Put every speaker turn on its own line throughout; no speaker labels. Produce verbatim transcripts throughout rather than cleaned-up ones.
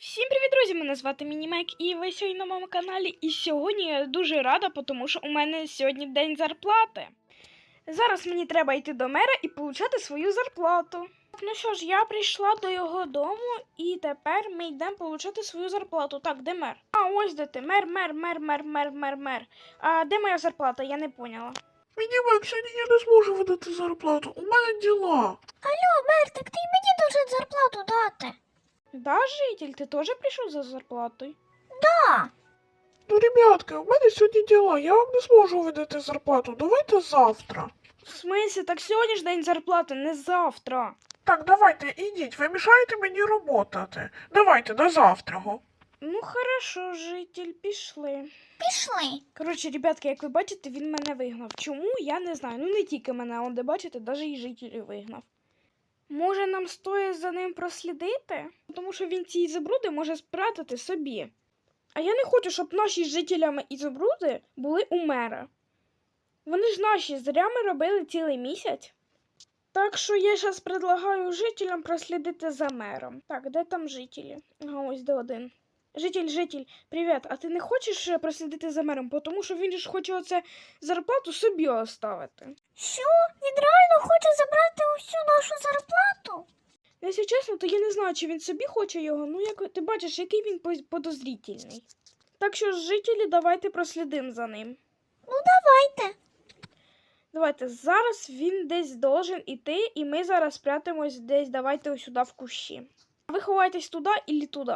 Всім привіт, друзі! Мене звати Мінімек, і ви сьогодні на моєму каналі. І сьогодні я дуже рада, тому що у мене сьогодні день зарплати. Зараз мені треба йти до мера і отримати свою зарплату. Ну що ж, я прийшла до його дому, і тепер ми йдемо отримати свою зарплату. Так, де мер? А, ось де ти. Мер, мер, мер, мер, мер, мер, мер. А де моя зарплата? Я не поняла.
Мінімек, сьогодні я не зможу видати зарплату. У мене діла.
Алло, мер, так ти й мені должен зарплату дати.
Да, житель, ти теж прийшов за зарплатою?
Да.
Ну, ребятки, у мене сьогодні діла. Я вам не зможу видати зарплату. Давайте завтра.
В смислі, так сьогодні ж день зарплати, не завтра.
Так, давайте, ідіть, ви мішаєте мені роботати. Давайте, до завтра.
Ну, хорошо, житель, пішли.
Пішли.
Коротше, ребятки, як ви бачите, він мене вигнав. Чому? Я не знаю. Ну, не тільки мене, он де бачите, навіть і жителів вигнав. Може, нам стоїть за ним прослідити? Тому що він ці ізобруди може спрятати собі. А я не хочу, щоб наші з жителями ізобруди були у мера. Вони ж наші, зря ми робили цілий місяць. Так що я зараз предлагаю жителям прослідити за мером. Так, де там жителі? Ага, ось де один. Житель, житель, привіт, а ти не хочеш е, прослідити за мером? Тому що він ж хоче оце зарплату собі оставити.
Що? Він реально хоче забрати усю нашу зарплату?
Якщо чесно, то я не знаю, чи він собі хоче його. Ну, як ти бачиш, який він поз- подозрительний. Так що ж, жителі, давайте прослідимо за ним.
Ну давайте.
Давайте, зараз він десь должен іти, і ми зараз спрятимось десь, давайте ось сюди в кущі. Ви ховайтесь туди і туди.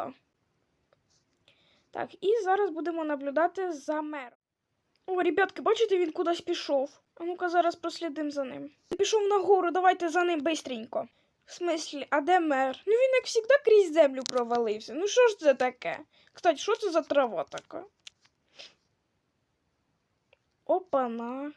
Так, і зараз будемо наблюдати за мером. О, ребятки, бачите, він кудись пішов. А ну-ка, зараз прослідимо за ним. Він пішов нагору, давайте за ним бистренько. В смислі, а де мер? Ну він, як завжди, крізь землю провалився. Ну що ж це таке? Кстати, що це за трава така? Опана.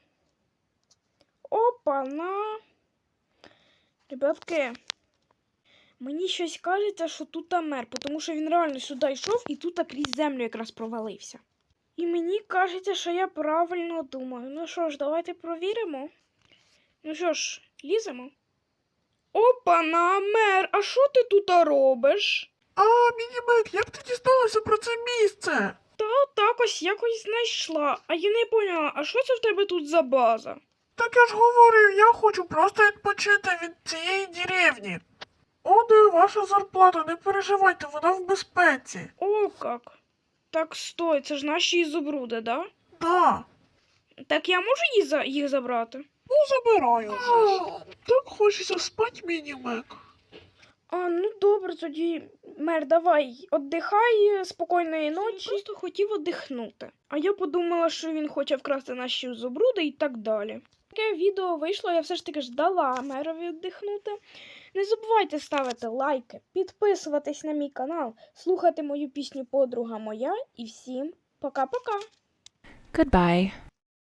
Опана. Ребятки, мені щось кажеться, що тут мер, тому що він реально сюди йшов і тут крізь землю якраз провалився. І мені кажеться, що я правильно думаю. Ну що ж, давайте провіримо. Ну що ж, ліземо. Опана, мер, а що ти тут робиш?
А, Мінімек, як ти дізналася про це місце?
Та так ось якось знайшла. А я не поняла, а що це в тебе тут за база?
Так я ж говорив, я хочу просто відпочити від цієї деревні. О, де ваша зарплата, не переживайте, вона в безпеці.
О, як. Так, стой, це ж наші ізобруди, да?
Да.
Так я можу їх, за... їх забрати?
Ну, забираю вже. Так хочеться спати, Мінімек.
А, ну добре, тоді, мер, давай, віддихай, спокійної ночі. Він просто хотів віддихнути. А я подумала, що він хоче вкрасти наші зубруди і так далі. Таке відео вийшло, я все ж таки ж дала мерові віддихнути. Не забувайте ставити лайки, підписуватись на мій канал, слухати мою пісню «Подруга моя» і всім пока-пока!
Goodbye.